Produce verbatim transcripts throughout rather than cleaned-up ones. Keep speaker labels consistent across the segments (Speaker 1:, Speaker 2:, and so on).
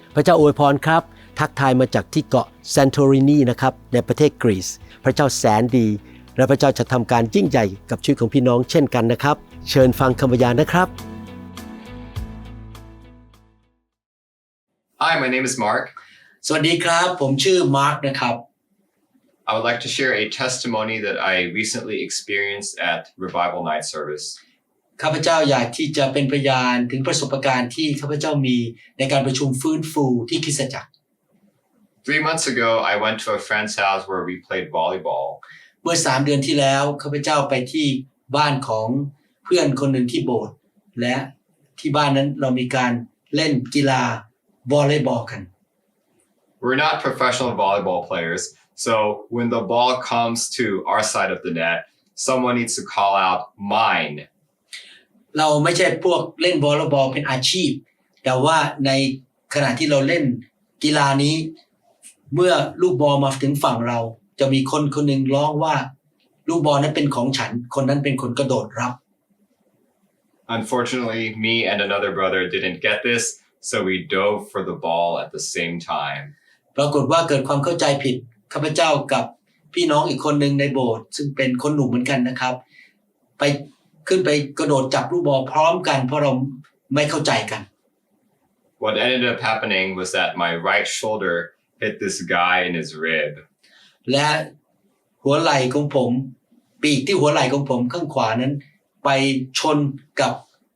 Speaker 1: พระเจ้าอวยพรครับทักทายมาจากที่เกาะซานโตรินีนะครับในประเทศกรีซพระเจ้าแสนดีและพระเจ้าจะทำการยิ่งใหญ่กับชีวิตของพี่น้องเช่นกันนะครับเชิญฟังคำพยานนะครับ
Speaker 2: Hi, my name is Mark.
Speaker 1: สวัสดีครับผมชื่อมาร์คนะครับ
Speaker 2: I would like to share a testimony that I recently experienced at Revival Night Service.
Speaker 1: ข้าพเจ้าอยากที่จะเป็นพยานถึงประสบการณ์ที่ข้าพเจ้ามีในการประชุมฟื้นฟูที่คริสตจักร
Speaker 2: Three months ago, I went to a friend's house where we played volleyball.
Speaker 1: เมื่อสามเดือนที่แล้วข้าพเจ้าไปที่บ้านของเพื่อนคนหนึ่งที่โบสถ์และที่บ้านนั้นเรามีการเล่นกีฬาวอลเลย์บอลกัน
Speaker 2: We're not professional volleyball players, so when the ball comes to our side of the net, someone needs to call out mine.
Speaker 1: เราไม่ใช่พวกเล่นวอลเลย์บอลเป็นอาชีพแต่ว่าในขณะที่เราเล่นกีฬานี้เมื่อลูกบอลมาถึงฝั่งเราจะมีคนคนหนึ่งร้องว่าลูกบอลนั้นเป็นของฉันคนนั้นเป็นคนกระโดดรับ
Speaker 2: Unfortunately, me and another brother didn't get this, so we dove for the ball at the same time.
Speaker 1: ปรากฏว่าเกิดความเข้าใจผิดข้าพเจ้ากับพี่น้องอีกคนหนึ่งในโบสถ์ซึ่งเป็นคนหนุ่มเหมือนกันนะครับไปขึ้นไปกระโดดจับลูกบอลพร้อมกันเพราะเราไม่เข้าใจกัน
Speaker 2: What ended up happening was that my right shoulder hit this guy in his rib.
Speaker 1: และหัวไหล่ของผมปีกที่หัวไหล่ของผมข้างขวานั้นไปชนกับ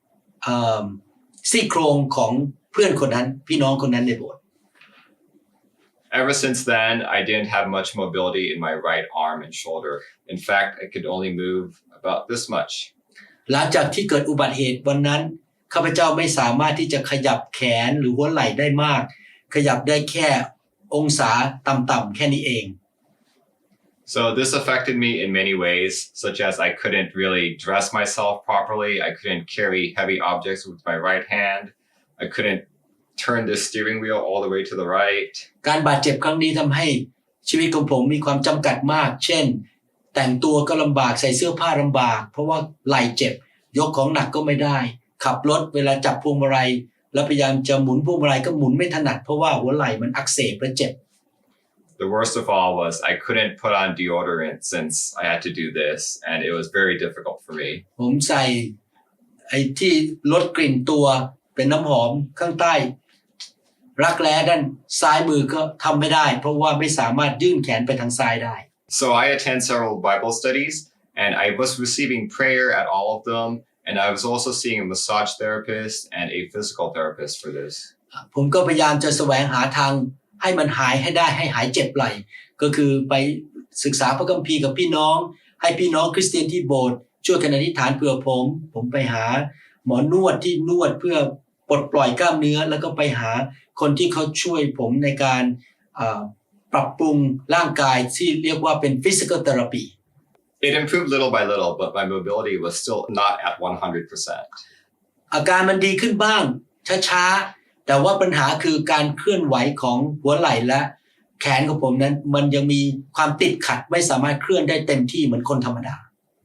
Speaker 1: ซี่โครงของเพื่อนคนนั้นพี่น้องคนนั้นในโบสถ์
Speaker 2: Ever since then, I didn't have much mobility in my right arm and shoulder. In fact, I could only move about this much.
Speaker 1: หลังจากที่เกิดอุบัติเหตุวันนั้นข้าพเจ้าไม่สามารถที่จะขยับแขนหรือหัวไหล่ได้มากขยับได้แค่องศาต่ำๆแค่นี้เอง
Speaker 2: So this affected me in many ways, such as I couldn't really dress myself properly. I couldn't carry heavy objects with my right hand. I couldn't turn the steering wheel all the way to the right.
Speaker 1: การบาดเจ็บครั้งนี้ทำให้ชีวิตของผมมีความจำกัดมากเช่นแต่งตัวก็ลำบากใส่เสื้อผ้าลำบากเพราะว่าไหล่เจ็บยกของหนักก็ไม่ได้ขับรถเวลาจับพวงมาลัยแล้วพยายามจะหมุนพวงมาลัยก็หมุนไม่ถนัดเพราะว่าหัวไหล่มันอักเสบและเจ็บ
Speaker 2: The worst of all was I couldn't put on deodorant since I had to do this, and it was very difficult for me.
Speaker 1: ผมใส่ไอ้ที่ลดกลิ่นตัวเป็นน้ำหอมข้างใต้รักแร้ด้านซ้ายมือก็ทำไม่ได้เพราะว่าไม่สามารถยื่นแขนไปทางซ้ายได้
Speaker 2: So I attend several Bible studies, and I was receiving prayer at all of them, and I was also seeing a massage therapist and a physical therapist for this.
Speaker 1: ผมก็พยายามจะแสวงหาทางให้มันหายให้ได้ให้หายเจ็บไหล่ก็คือไปศึกษาพระคัมภีร์กับพี่น้องให้พี่น้องคริสเตียนที่โบสถ์ช่วยกันอธิษฐานเผื่อผมผมไปหาหมอนวดที่นวดเพื่อปลดปล่อยกล้ามเนื้อแล้วก็ไปหาคนที่เขาช่วยผมในการปรับปรุงร่างกายที่เรียกว่าเป็น physical therapy.
Speaker 2: It improved little by little, but my mobility was still not at one hundred percent.
Speaker 1: อาการมันดีขึ้นบ้างช้าๆแต่ว่าปัญหาคือการเคลื่อนไหวของหัวไหล่และแขนของผมนั้นมันยังมีความติดขัดไม่สามารถเคลื่อนได้เต็มที่เหมือนคนธรรมดา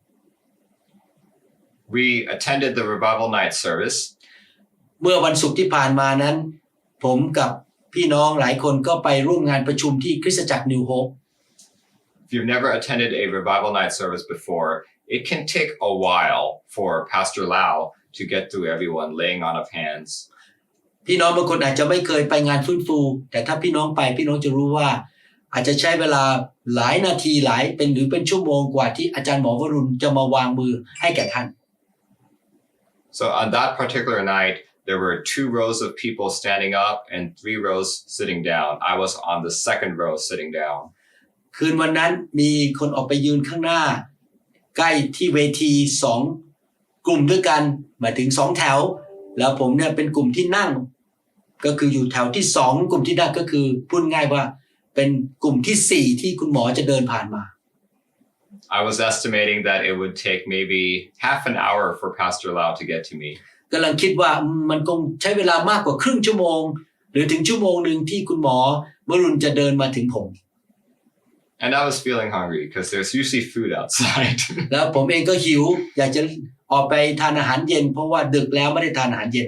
Speaker 2: We attended the Revival Night service.
Speaker 1: เมื่อวันศุกร์ที่ผ่านมานั้นผมกับพี่น้องหลายคนก็ไปร่วมงานประชุมที่คริสตจักร New Hope.
Speaker 2: If you've never attended a Revival Night service before, it can take a while for Pastor Lau to get through everyone laying on of hands.
Speaker 1: พี่น้องบางคนอาจจะไม่เคยไปงานฟื้นฟูแต่ถ้าพี่น้องไปพี่น้องจะรู้ว่าอาจจะใช้เวลาหลายนาทีหลายเป็นหรือเป็นชั่วโมงกว่าที่อาจารย์หมอวรุณจะมาวางมือให้แก่ท่าน
Speaker 2: So on that particular night, there were two rows of people standing up and three rows sitting down. I was on the second row sitting down.
Speaker 1: คืนวันนั้นมีคนออกไปยืนข้างหน้าใกล้ที่เวทีสองกลุ่มด้วยกันหมายถึงสองแถวแล้วผมเนี่ยเป็นกลุ่มที่นั่งก็คืออยู่แถวที่สองกลุ่มที่นั่งก็คือพูดง่ายว่าเป็นกลุ่มที่สี่ที่คุณหมอจะเดินผ่านมา
Speaker 2: I was estimating that it would take maybe half an hour for Pastor Lau to get to me.
Speaker 1: กำลังคิดว่ามันคงใช้เวลามากกว่าครึ่งชั่วโมงหรือถึงชั่วโมงนึงที่คุณหมอวรุณจะเดินมาถึงผม
Speaker 2: And I was feeling hungry because there's usually food outside.
Speaker 1: แล้วผมเองก็หิวอยากจะออกไปทานอาหารเย็นเพราะว่าดึกแล้วไม่ได้ทานอาหารเย็นมา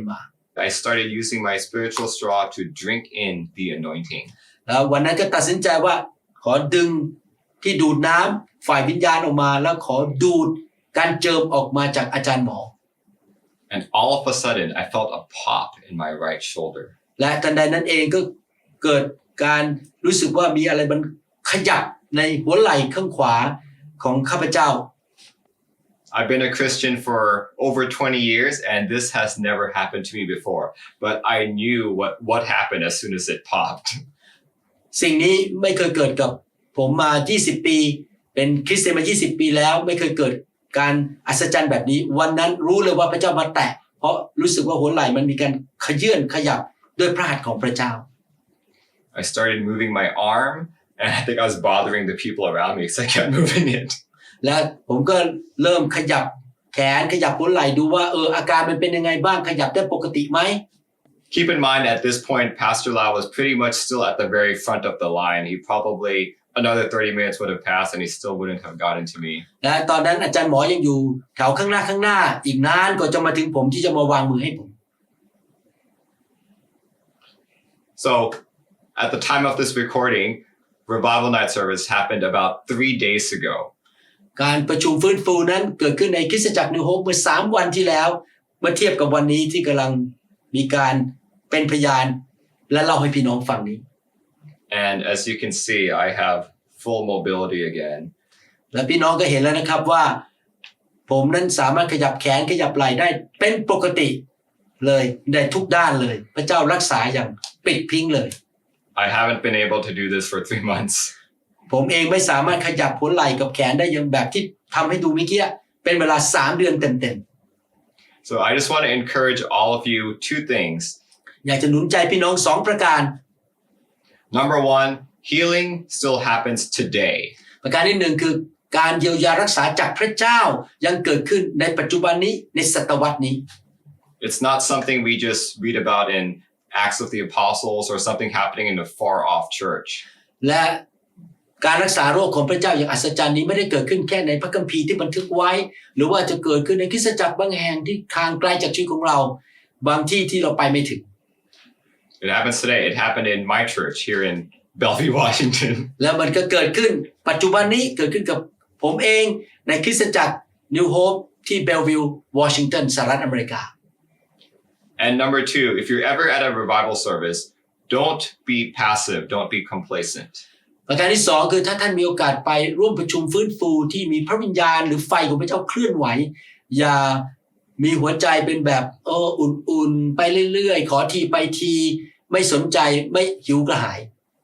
Speaker 2: I started using my spiritual straw to drink in the anointing.
Speaker 1: แล้ววันนั้นก็ตัดสินใจว่าขอดึงที่ดูดน้ำฝ่ายวิญญาณออกมาแล้วขอดูดการเจิมออกมาจากอาจารย์หมอ
Speaker 2: And all of a sudden, I felt a pop in my right shoulder.
Speaker 1: และทันใดนั้นเองก็เกิดการรู้สึกว่ามีอะไรมันขยับในหัวไหล่ข้างขวาของข้าพเจ้า
Speaker 2: I've been a Christian for over twenty years, and this has never happened to me before. But I knew what, what happened as soon as it popped.
Speaker 1: สิ่งนี้ไม่เคยเกิดกับผมมายี่สิบปีเป็นคริสเตียนมายี่สิบปีแล้วไม่เคยเกิดการอัศจรรย์แบบนี้วันนั้นรู้เลยว่าพระเจ้ามาแตะเพราะรู้สึกว่าหัวไหล่มันมีการขยื่นขยับด้วยพระหัตถ์ของพระเจ้า
Speaker 2: I started moving my arm, and I think I was bothering the people around me because I kept moving it.
Speaker 1: และผมก็เริ่มขยับแขนขยับหัวไหล่ดูว่าเอออาการมันเป็นยังไงบ้างขยับได้ปกติไหม
Speaker 2: Keep in mind, at this point, Pastor Lau was pretty much still at the very front of the line. He probably another thirty minutes would have passed, and he still wouldn't have gotten to me.
Speaker 1: และตอนนั้นอาจารย์หมอยังอยู่แถวข้างหน้าข้างหน้าอีกนานกว่าจะมาถึงผมที่จะมาวางมือให้ผม
Speaker 2: So, at the time of this recording, Revival Night service happened about three days ago.
Speaker 1: การประชุมฟื้นฟูนั้นเกิดขึ้นในคริสตจักรนิวโฮปเมื่อสามวันที่แล้วเมื่อเทียบกับวันนี้ที่กำลังมีการเป็นพยานและเล่าให้พี่น้องฟังนี้
Speaker 2: And as you can see, I have full mobility again.
Speaker 1: และพี่น้องก็เห็นแล้วนะครับว่าผมนั้นสามารถขยับแขนขยับไหล่ได้เป็นปกติเลยได้ทุกด้านเลยพระเจ้ารักษาอย่างปิดพิงเลย
Speaker 2: I haven't been able to do this for three months.
Speaker 1: ผมเองไม่สามารถขยับหัวไหล่กับแขนได้อย่างแบบที่ทำให้ดูเมื่อกี้เป็นเวลาสามเดือนเต็ม
Speaker 2: So I just want to encourage all of you two things.
Speaker 1: ๆอยากจะหนุนใจพี่น้องสองประการ
Speaker 2: Number one, healing still happens today.
Speaker 1: ประการที่หนึ่งคือการเยียวยารักษาจากพระเจ้ายังเกิดขึ้นในปัจจุบันนี้ในศตวรรษนี้
Speaker 2: It's not something we just read about in Acts of the Apostles or something happening in a far-off church.
Speaker 1: และการรักษาโรคของพระเจ้าอย่างอัศจรรย์นี้ไม่ได้เกิดขึ้นแค่ในพระคัมภีร์ที่บันทึกไว้หรือว่าจะเกิดขึ้นในคริสตจักรบางแห่งที่ทางไกลจากชีวิตของเราบางที่ที่เราไปไม่ถึง
Speaker 2: It happens today. It happened in my church here in Bellevue, Washington.
Speaker 1: แล้วมันก็เกิดขึ้นปัจจุบันนี้เกิดขึ้นกับผมเองในคริสตจักร New Hope ที่ Bellevue Washington สหรัฐอเมริกา
Speaker 2: And number two, if you're ever at a revival service, don't be passive. Don't be complacent.
Speaker 1: ประการที่สองคือถ้าท่านมีโอกาสไปร่วมประชุมฟื้นฟูที่มีพระวิญญาณหรือไฟของพระเจ้าเคลื่อนไหวอย่ามีหัวใจเป็นแบบเอออุ่นๆไปเรื่อยๆขอทีไปทีไม่สนใจไม่หิวกระหาย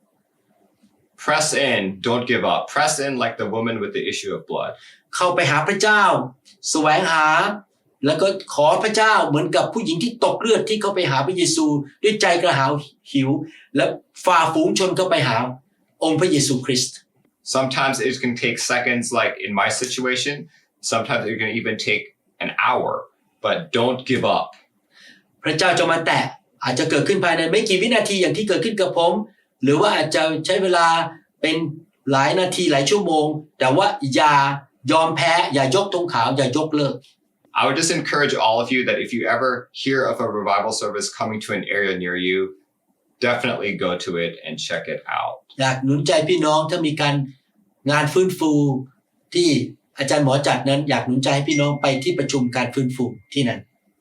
Speaker 2: Press in. Don't give up. Press in like the woman with the issue of blood.
Speaker 1: เข้าไปหาพระเจ้าแสวงหาแล้วก็ขอพระเจ้าเหมือนกับผู้หญิงที่ตกเลือดที่เข้าไปหาพระเยซูด้วยใจกระหายหิวและฝ่าฝูงชนเข้าไปหาองค์พระเยซูคริสต์
Speaker 2: Sometimes it can take seconds, like in my situation. Sometimes it can even take an hour. But don't give up.
Speaker 1: พระเจ้าจะมาแตะอาจจะเกิดขึ้นภายในไม่กี่วินาทีอย่างที่เกิดขึ้นกับผมหรือว่าอาจจะใช้เวลาเป็นหลายนาทีหลายชั่วโมงแต่ว่าอย่ายอมแพ้อย่ายกธงขาวอย่ายกเลิก
Speaker 2: I would just encourage all of you that if you ever hear of a revival service coming to an area near you, definitely go to it and check it out.
Speaker 1: อยากหนุนใจพี่น้องถ้ามีการงานฟื้นฟูที่อาจารย์หมอจัดนั้นอยากหนุนใจให้พี่น้องไปที่ประชุมการฟื้นฟูที่นั่น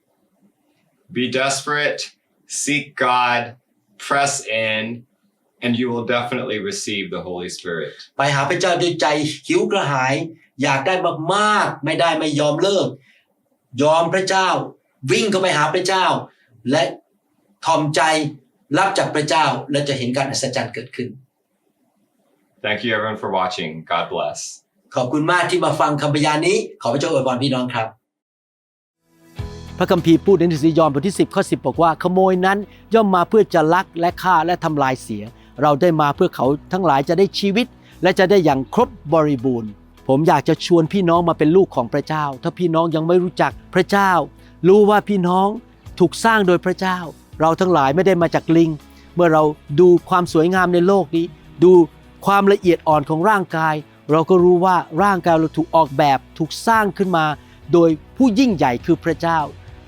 Speaker 2: Be desperate, seek God, press in, and you will definitely receive the Holy Spirit.
Speaker 1: ไปหาพระเจ้าด้วยใจหิวกระหายอยากได้มากๆไม่ได้ไม่ยอมเลิกยอมพระเจ้าวิ่งเข้าไปหาพระเจ้าและทอมใจรับจากพระเจ้าและจะเห็นการอัศจรรย์เกิดขึ้น
Speaker 2: Thank you everyone for watching. God bless.
Speaker 1: ขอบคุณมากที่มาฟังคำพยานนี้ขอพระเจ้าอวยพรพี่น้องครับพระคัมภีร์พูดในหนังสือยอห์นบทที่สิบข้อสิบบอกว่าขโมยนั้นย่อมมาเพื่อจะลักและฆ่าและทำลายเสียเราได้มาเพื่อเขาทั้งหลายจะได้ชีวิตและจะได้อย่างครบบริบูรณ์ผมอยากจะชวนพี่น้องมาเป็นลูกของพระเจ้าถ้าพี่น้องยังไม่รู้จักพระเจ้ารู้ว่าพี่น้องถูกสร้างโดยพระเจ้าเราทั้งหลายไม่ได้มาจากลิงเมื่อเราดูความสวยงามในโลกนี้ดูความละเอียดอ่อนของร่างกายเราก็รู้ว่าร่างกายเราถูกออกแบบถูกสร้างขึ้นมาโดยผู้ยิ่งใหญ่คือพระเจ้า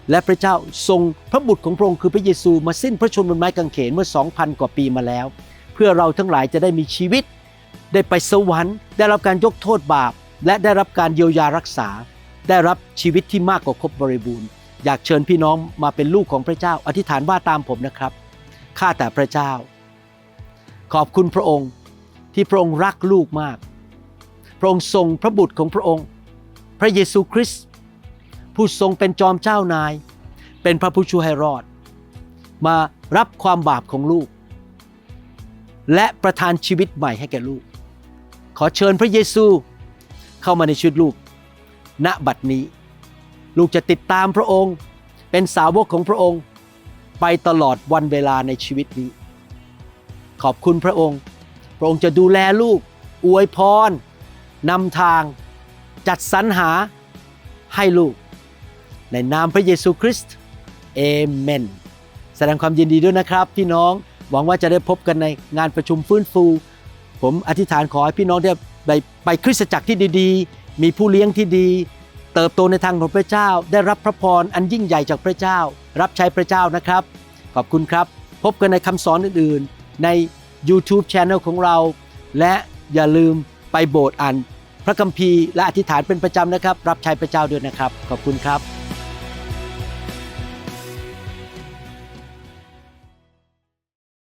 Speaker 3: และพระเจ้าทรงพระบุตรของพระองค์คือพระเยซูมาสิ้นพระชนม์บนไม้กางเขนเมื่อ สองพัน กว่าปีมาแล้วเพื่อเราทั้งหลายจะได้มีชีวิตได้ไปสวรรค์ได้รับการยกโทษบาปและได้รับการเยียวยารักษาได้รับชีวิตที่มากกว่าครบบริบูรณ์อยากเชิญพี่น้องมาเป็นลูกของพระเจ้าอธิษฐานว่าตามผมนะครับข้าแต่พระเจ้าขอบคุณพระองค์ที่พระองค์รักลูกมากพระองค์ทรงพระบุตรของพระองค์พระเยซูคริสต์ผู้ทรงเป็นจอมเจ้านายเป็นพระผู้ช่วยให้รอดมารับความบาปของลูกและประทานชีวิตใหม่ให้แก่ลูกขอเชิญพระเยซูเข้ามาในชีวิตลูกณบัดนี้ลูกจะติดตามพระองค์เป็นสาวกของพระองค์ไปตลอดวันเวลาในชีวิตนี้ขอบคุณพระองค์พระองค์จะดูแลลูกอวยพรนำทางจัดสรรหาให้ลูกในนามพระเยซูคริสต์เอเมนแสดงความยินดีด้วยนะครับพี่น้องหวังว่าจะได้พบกันในงานประชุมฟื้นฟูผมอธิษฐานขอให้พี่น้องได้ไปไปคริสตจักรที่ดีๆมีผู้เลี้ยงที่ดีเติบโตในทางของพระเจ้าได้รับพระพรอันยิ่งใหญ่จากพระเจ้ารับใช้พระเจ้านะครับขอบคุณครับพบกันในคำสอนอื่นๆใน YouTube Channel ของเราและอย่าลืมไปโบสถ์อ่านพระคัมภีร์และอธิษฐานเป็นประจำนะครับรับใช้พระเจ้าด้วยนะครับขอบคุณครับ